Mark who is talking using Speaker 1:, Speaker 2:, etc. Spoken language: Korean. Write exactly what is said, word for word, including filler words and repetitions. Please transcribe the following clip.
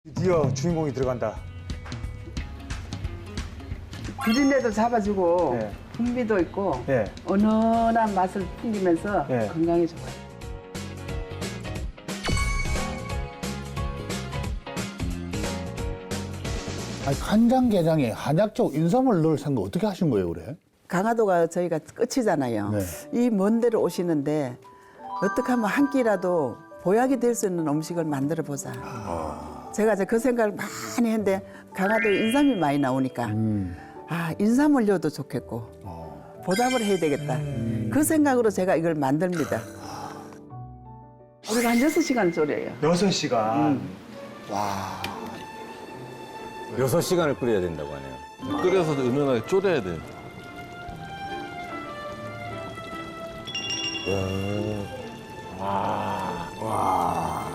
Speaker 1: 드디어 주인공이 들어간다.
Speaker 2: 비린내도 잡아주고
Speaker 1: 네.
Speaker 2: 풍미도 있고
Speaker 1: 네.
Speaker 2: 은은한 맛을 풍기면서
Speaker 1: 네.
Speaker 2: 건강에 좋아요.
Speaker 3: 아니, 간장게장에 한약적 인삼을 넣을 생각 어떻게 하신 거예요, 그래?
Speaker 2: 강화도가 저희가 끝이잖아요.
Speaker 3: 네.
Speaker 2: 이 먼 데로 오시는데 어떻게 하면 한 끼라도 보약이 될 수 있는 음식을 만들어 보자. 제가 이제 그 생각을 많이 했는데 강화도에 인삼이 많이 나오니까
Speaker 3: 음.
Speaker 2: 아 인삼을 넣어도 좋겠고 보답을 해야 되겠다. 그 생각으로 제가 이걸 만듭니다. 우리가 한 여섯 시간 졸여요.
Speaker 1: 여섯 시간.
Speaker 4: 여섯 시간을 끓여야 된다고 하네요.
Speaker 5: 끓여서 은은하게 졸여야 돼.
Speaker 4: 와.